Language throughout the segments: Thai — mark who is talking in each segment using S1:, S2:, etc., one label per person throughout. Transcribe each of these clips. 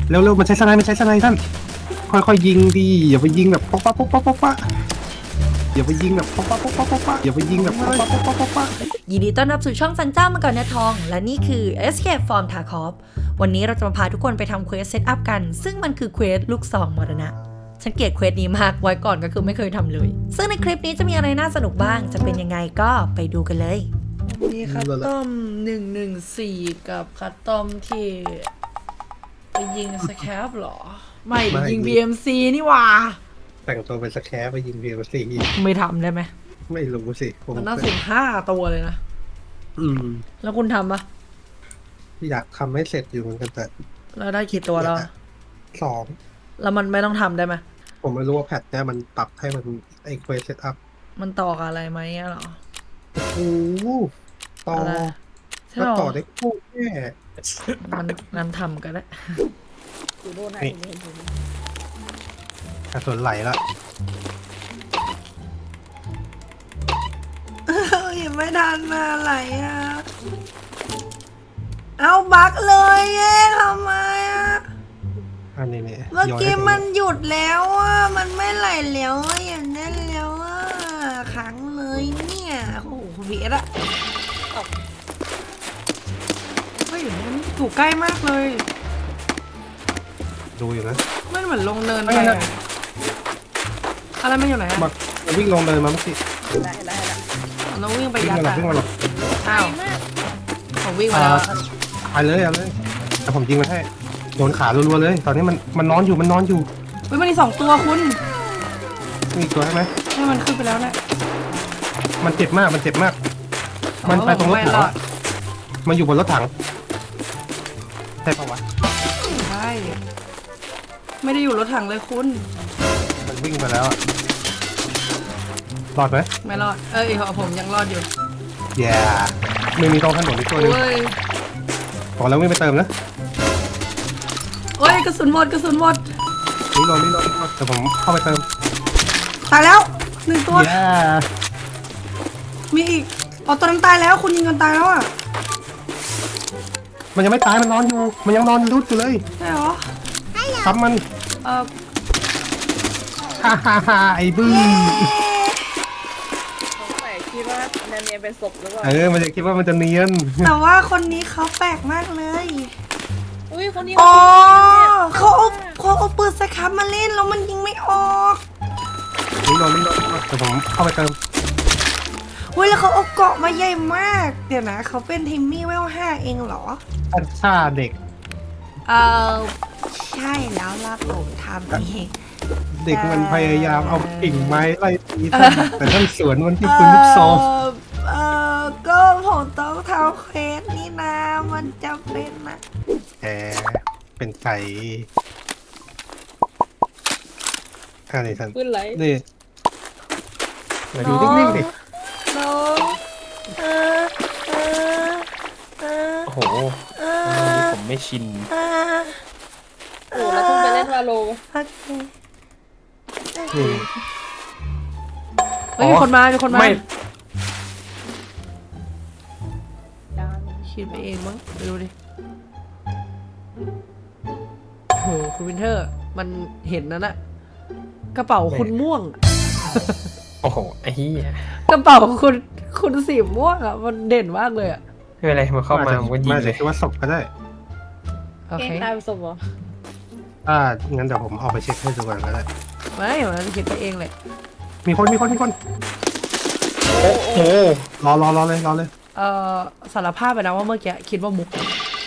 S1: เร็วๆมันใช้สไนด์ท่านค่อยๆยิงดีอย่าไปยิงแบบป๊อกป๊อกป๊อกป๊อกป๊อกป๊อกอย่าไปยิงแบบป๊อกป๊อกป๊อกป๊อกป๊อกอย่าไปยิงแบบป๊อกป๊อกป๊อกป๊อกป๊อก
S2: ยินดีต้อนรับสู่ช่องซันจ้ามังกรเนื้อทองและนี่คือ Escape from Tarkov วันนี้เราจะมาพาทุกคนไปทำเควสเซตอัพกันซึ่งมันคือเควสลูกซองมรณะฉันเกลียดเควสนี้มากไว้ก่อนก็คือไม่เคยทำเลยซึ่งในคลิปนี้จะมีอะไรน่าสนุกบ้างจะเป็นยังไงก็ไปดูกันเลยมีคัตตอม114กับคัตตอมที่ไปยิงสแคปหรอไม่ยิง BMC นี่หว่า
S1: แต่งตัวเป็นสแคร์ไปยิง BMC
S2: ไม่ทำได้ไหม
S1: ไม่รู้สิ
S2: มันน่า15 ตัวเลยนะแล้วคุณทำปะ
S1: อยากทำให้เสร็จอยู่เหมือนกันแต่
S2: แล้วได้กี่ตัวแล้ว
S1: 2
S2: แล้วมันไม่ต้องทำได้ไหม
S1: ผมไม่รู้ว่าแพทเนี่ยมันปรับให้มันไอเควสเซตอัพ
S2: มันต่อกับอะไรไหมอะหรอ
S1: โอ้ต่อแล้วต่อได้คู่แค่
S2: มันทำกันได้
S1: กระสุนไหลละ
S2: ยังไม่ทันมาไหลอ่ะเอาบักเลยเย้ทำไมอ่ะ
S1: อันนี้เนี่ย
S2: เมื่อกี้มันหยุดแล้วอ่ะมันไม่ไหลแล้วอย่างนั้นแล้วอ่ะขังเลยเนี่ยโอ้โหวีดอะเฮ้ยมันอยู่ใกล้มากเลย
S1: ดูอยู่นะ
S2: มันเหมือนลงเนินไปอะไรมันอยู่ไหนอะ
S1: มันวิ่งลงเนินมาเมื่อกี้
S2: เราวิ่งไปยัด
S1: วิ่งมาหรอ
S2: อ้าวผมวิ่งมาแล้ว
S1: ไปเลยแต่ผมยิงมันให้โดนขารัวๆเลยตอนนี้มันนอนอยู่
S2: เฮ้ยมันมี2 ตัวคุณ
S1: มีตัวใช่ไหม
S2: ให้มันขึ้นไปแล้วนะ
S1: มันเจ็บมากมันไปตรงรถถังมันอยู่บนรถถังใช่ปะวะ
S2: ใช่ไม่ได้อยู่รถถังเลยคุณ
S1: มันวิ่งไปแล้วรอดไหม
S2: ไม่รอดผมยังรอดอยู่
S1: ไม่มีตรงถนนอีกตัวนึงขอแล้ววิ่งไปเติมนะ
S2: โอ้ยกระสุนหมด
S1: นี่รอแต่ผมเข้าไปเติม
S2: ตายแล้ว1 ตัวมีอีกตัวนั้นตายแล้วคุณยิงกันตายแล้วอ่ะ
S1: มันยังไม่ตายมันนอนอยู่มันยังนอนรุดอยู่เลย
S2: ใช่เหรอ
S1: ครับมันฮ่าไอ้บื้อ
S3: คิดว่าเนียนเป็นศพหรือเปล่า
S1: มันจะคิดว่ามันจะเนียน
S2: แต่ว่าคนนี้เขาแปลกมากเลย
S3: อุ้ยคนนี้
S2: เขาเอาปืนสครับมาเล่นแล้วมันยิงไม่ออก
S1: นี่รอแต่ผมเข้าไปเติม
S2: เฮ้ยแล้วเขาเอาเกาะมาใหญ่มากเดี๋ยวนะเขาเป็นทิมมี่เวล5เองเหรอ
S1: ฆ่าเด็ก
S2: ใช่แล้วล่ะผมทำเอง
S1: เด็กมันพยายามเอากิ่งไม้ไล่ตีแต่ท่านสวนมันที่ปืนลูกซอง
S2: ก็ผมต้องทำเควสนี่นะมันจำเป็นนะ
S1: เป็นไก่นี่ท่าน
S3: ปืนไหล
S1: นี่อยู่นิ่งๆดิ
S2: น้อง
S4: โอ้โหผมไม่ชิน
S3: โอ้เราต้องไปเล่นวาโล
S2: มีคนมาไม่คิดไปเองมั้งไปดูดิโอ้โหคุณวินเทอร์มันเห็นนั่นแหละกระเป๋าคุณม่วง
S4: โอ้โหไอ้เหี้ย
S2: กระเป๋าคุณสีม่วงอ่ะมันเด่นมากเลยอ่ะ
S4: ไม่เป็นไรมันเข้ามาผมก็ยิงเลย
S1: คิดว่าศพก็ได้
S3: โอเคตายเป็นศพเหรอ
S1: งั้นเดี๋ยวผมเอาไปเช็คให้ดูก่อนก็ได้
S2: ไม่มันจะคิดไปเองเลย
S1: มีคน
S4: โอ้โห
S1: รอเลย
S2: สารภาพไปนะว่าเมื่อกี้คิดว่ามุก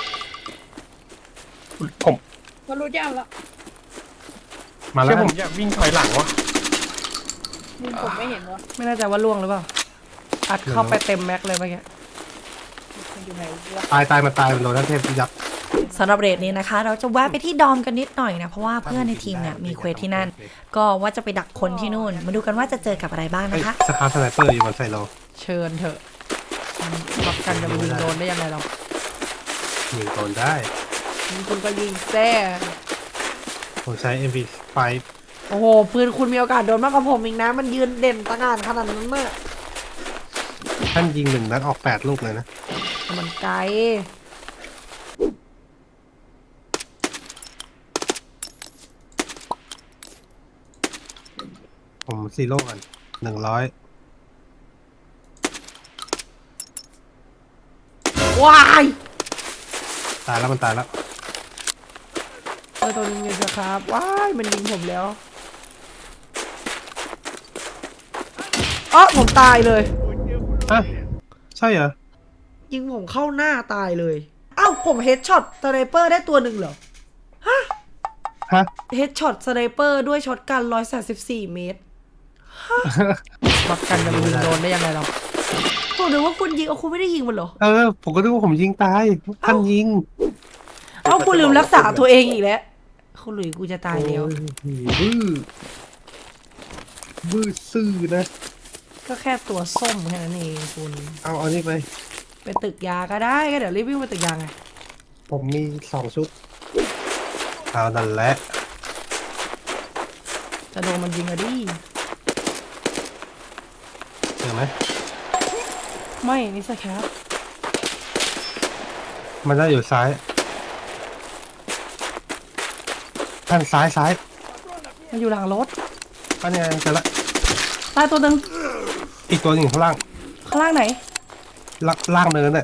S4: ผม
S3: ก็รู้ยากแล้ว
S1: มาแล้ว
S4: ผมอยากวิ่งถอยหลังวะ
S3: ผมไม่เห็นวะ
S2: ไม่แน่ใจว่าล่วงหรือเปล่าอัดเข้าไปเต็มแม็กเลยเมื่อกี้
S1: ตายมันโดนท่านเทพยับ
S2: สำหรับเรทนี้นะคะเราจะแวะไปที่ดอมกันนิดหน่อยนะเพราะว่าเพื่อนในทีมเนี่ยมีเควสที่นั่นก็ว่าจะไปดักคนที่นู่นมาดูกันว่าจะเจอกับอะไรบ้างนะคะ
S1: สคาร์สไนเปอร์อยู่บนไซโล
S2: เชิญเถอะรับกันจะไปยิงโดนได้ยังไงเรา
S1: ยิงโดนได้
S2: คุณก็ยิงแซ่
S1: ผมใช้ MP5
S2: โอ้โหปืนคุณมีโอกาสโดนมากกว่าผมอีกนะมันยืนเด่นตะงานขนาดนั้นเมื่อ
S1: ท่านยิง1 นัดออก8 ลูกเลยนะ
S2: มันไกล
S1: ผมซีโร่ก่อน100
S2: ว้าย
S1: ตายแล้วมันตายแล้ว
S2: ตัวนึงอยู่ครับว้ายมันยิงผมแล้วอ๋อผมตายเลย
S1: ฮะใช่เหรอ
S2: ยิงผมเข้าหน้าตายเลยอ้าวผมเฮดช็อตสไนเปอร์ได้ตัวหนึ่งเหรอ
S1: ฮะ
S2: เฮดช็อตสไนเปอร์ด้วยช็อตกัน134 เมตรช็อตกันจะยิงโดนได้ยังไงเราผมนึกว่าคุณยิงเอาคุณไม่ได้ยิงมันเหรอ
S1: ผมก็นึกว่าผมยิงตายท่านยิง
S2: เอ้าคุณลืมรักษาตัวเองอีกแล้วคุณหลุยกูจะตายแล้ว
S1: โอ้ยบื้อซื่อนะ
S2: ก็แค่ตัวส้มแค่นั้นเองคุณ
S1: เอานี่ไป
S2: ไปตึกยาก็ได้ก็เดี๋ยวรีบวิ่งไปตึกยาไง
S1: ผมมี2 ชุดเอานั่นแหละ
S2: จะโดนมันยิงอะดิ
S1: เห็นไหม
S2: ไม่นี่สแคป
S1: มันจะอยู่ซ้ายท่านซ้าย
S2: มันอยู่หลังรถ
S1: อันนี้เจอละ
S2: ตายตัวหนึ่ง
S1: อีกตัวหนึ่งข้างล่าง
S2: ข้างล่างไหน
S1: ล่างเนินเนี่ย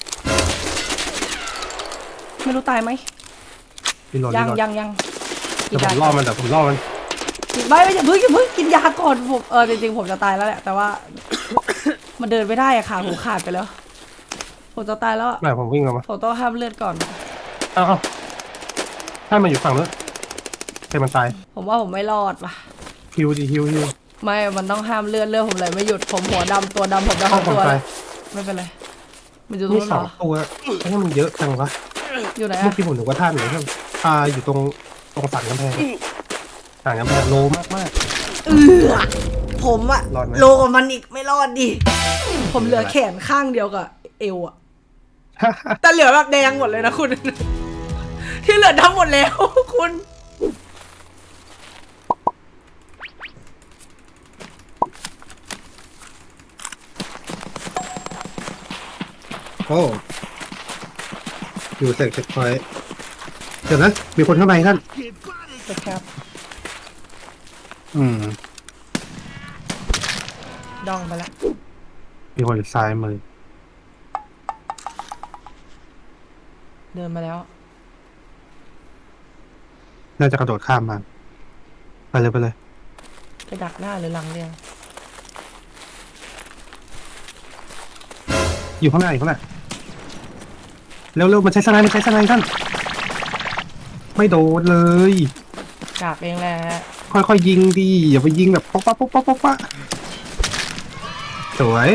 S2: ไม่รู้ตายไหม
S1: รีโหลด
S2: ยัง
S1: รีโหลด
S2: ยัง
S1: เดี๋ยวผมล่อมัน
S2: ไม่อย่าเพิ่งกินยาก่อนผมจริงๆผมจะตายแล้วแหละแต่ว่า มันเดินไม่ได้อะขาหูขาดไปแล้วผมจะตายแล้วอะ
S1: ไม่ผมวิ่งออกมา
S2: ผมต้องห้ามเลือดก่อน
S1: เอาถ้ามันอยู่ฝั่งนู้นให้มันตาย
S2: ผมว่าผมไม่รอดว่ะ
S1: ฮิวดิฮิว
S2: ไม่มันต้องห้ามเลือดผมเลยไม่หยุดผมหัวดำตัวดำผมจะ
S1: เข้า
S2: ทำ
S1: ผม
S2: ตัว
S1: ไป
S2: แล้วไม่เป็นไรมันอยู่ตรง
S1: นี่
S2: นู้นเหรอ
S1: 2 ตัวไอ้นี่มันเยอะจังวะ
S2: อยู่ไหน
S1: เมื่อ
S2: อะ
S1: กี้ผมนึกว่าท่านหรือเปล่าอยู่ตรงสันกำแพงโลมาก
S2: ผมอะ
S1: รอดไหม
S2: โลกว่ามันอีกไม่รอดดิผมเหลือแขนข้างเดียวกับเอวอะ
S1: ๆ
S2: แต่เหลือแบบแดงหมดเลยนะคุณ ที่เหลือดำหมดแล้วคุณ
S1: โอ้อยู่เสกเช็คพอยต์เดี๋ยวนะมีคนข้างในท่าน
S2: นะครับ ดองไปละ
S1: มีคนซ้ายมือ
S2: เดินมาแล้ว
S1: น่าจะกระโดดข้ามมาไปเลย
S2: ไปดักหน้าหรือหลังเรียง
S1: อยู่ข้างหน้าเร็วมันใช้สไนด์ท่านไม่โดนเลย
S2: ดักเองแหละ
S1: ค่อยๆยิงดิอย่าไปยิงแบบป๊อกปะสวย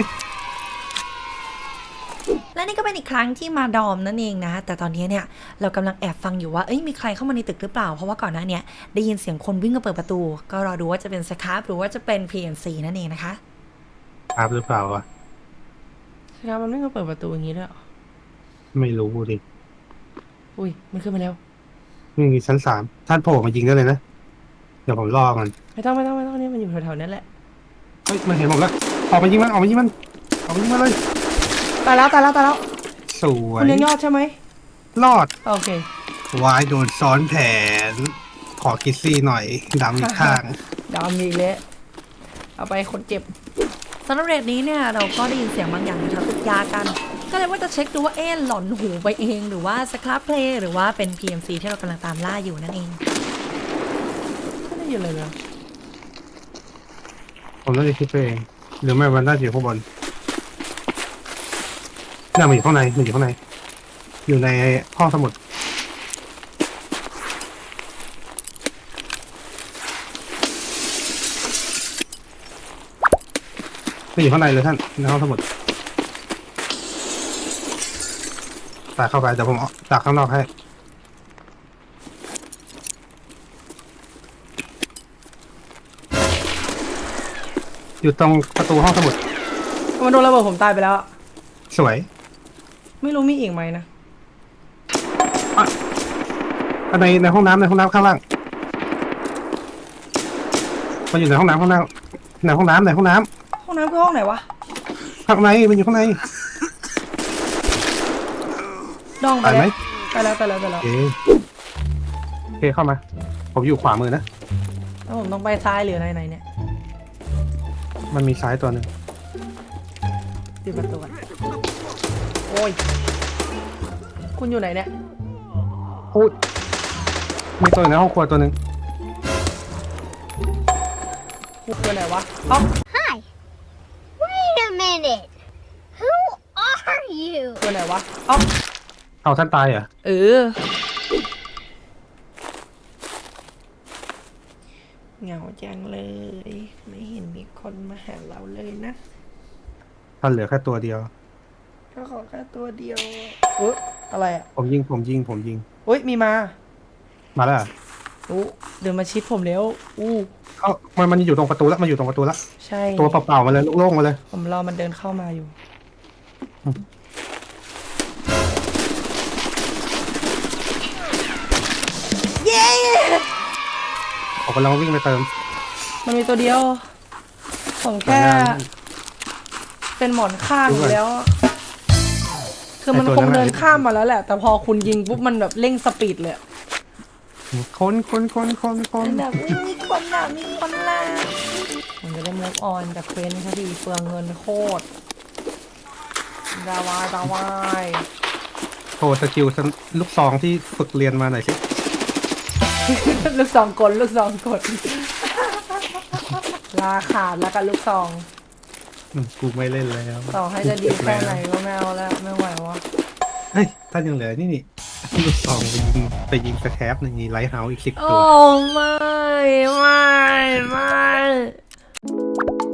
S2: และนี่ก็เป็นอีกครั้งที่มาดอมนั่นเองนะ แต่ตอนนี้เนี่ยเรากำลังแอบฟังอยู่ว่ามีใครเข้ามาในตึกหรือเปล่าเพราะว่าก่อนหน้านี้ได้ยินเสียงคนวิ่งมาเปิดประตูก็รอดูว่าจะเป็นสครับหรือว่าจะเป็น PNC นั่นเองนะคะ
S1: ครับหรือเปล่าวะ
S2: สครับมันวิ่งมาเปิดประตูอย่างนี้ด้วย
S1: ไม่รู้ดิ
S2: อุ้ยมันขึ้นมาแล้ว
S1: นี่ชั้น3ท่านโผล่มายิงได้เลยนะเดี๋ยวผมรอมัน
S2: ไม่ต้องนี่มันอยู่แถวๆนั้นแหละ
S1: เฮ้ยมันเห็นผมแล้วออกมายิงมันเลย
S2: ตายแล้ว
S1: สว
S2: คุ
S1: ย
S2: ณยังยอดใช่ไหม
S1: รอด
S2: โอเคว
S1: ายโดนซ้อนแผน ขอคิดซี่หน่อยดำอีกข้าง
S2: ดอมอีกแล้วเอาไปคนเจ็บสำหรับเรทนี้เนี่ยเราก็ได้ยินเสียงบางอย่างแถวตึกยากัน ก็เลยว่าจะเช็คดูว่าหลอนหูไปเองหรือว่าสครับเพลย์หรือว่าเป็น PMC ที่เรากำลังตามล่าอยู่นั่นเองไม่ได้ยินเลยนะ
S1: ผมน่าจะคิดไปเองหรือไม่มันน่าจะอยู่ข้างบนน่ามันอยู่ข้างในอยู่ในห้องสมุดไม่อยู่ข้างในเลยท่านในห้องสมุดตากเข้าไปเดี๋ยวผมตากข้างนอกให้อยู่ตรงประตูห้องสมุด
S2: มันโดนระเบิดผมตายไปแล้ว
S1: สวย
S2: ไม่รู้มีอีกไหมนะ
S1: ในห้องน้ำข้างล่างมันอยู่ในห้องน้ำในห้องน้ำ
S2: ห้องน้ำคือห้องไหนวะ
S1: ข้างในมันอยู่ข้างใน
S2: ดองไป
S1: ไปไหม
S2: แล้วไปแล้ว
S1: โอเคเข้ามา ผมอยู่ขวามือนะ
S2: แล้วผมต้องไปซ้ายหรืออะไรไหนเนี่ย
S1: มันมีซ้ายตัวหนึ่ง
S2: ปิดประตูก่อนโอ้ยคุณอยู่ไหนเนี่ย
S1: พูดมีตัวอยู่ในห้องครัวตัวหนึ่ง
S2: คุณอยู่ไหนวะเอ้า
S5: Hi. Wait a minute. Who are you?
S2: อยู่ไหนวะเอ้า
S1: เอาท่านตายเหรอ
S2: เออเหงาจังเลย ไม่เห็นมีคนมาหาเราเลยนะ
S1: ท่านเหลือแค่ตัวเดียว
S2: ก็ขอแค่ตัวเดียวอุ๊ยอะไรอ่ะ
S1: ผมยิง
S2: อุ้ยมีมา
S1: มาแล้วเหรอ
S2: อู้เดินมาชิดผมแล้วอู้
S1: เอ้ามันอยู่ตรงประตูแล้วมันอยู่ตรงประตูแล้ว
S2: ใช่
S1: ตัวเปล่าๆมาเลยโล่งๆมาเลย
S2: ผมรอมันเดินเข้ามาอยู่ เย้
S1: ผมกำลังวิ่งไปเติม
S2: มันมีตัวเดียว ผมแค่ เป็นหมอนข้างอยู่แล้ว คือมันคงเดินข้ามมาแล้วแหละ แต่พอคุณยิงปุ๊บมันแบบเร่งสปีดเลย
S1: คน
S2: แบบมีคนน่ะมีคนล่ะผมจะได้มูฟออนจากเควสนี้สักทีเปลืองเงินโคตรดาวาย
S1: โชว์สกิลลูกซองที่ฝึกเรียนมาหน่อยสิ
S2: ลูกซองกลลาขาดแล้วกันลูกซอง
S1: กูไม่เล่นแล้ว
S2: ต่อให้จะดีแค่ไหนก็ไม่เอาแล้วไม่ไหววะ
S1: เฮ้ยท่านยังเหลือนี่ลูกซองไปยิงสแครปในไลท์เฮาส์อีก10
S2: โอ้
S1: ตัว
S2: ไม่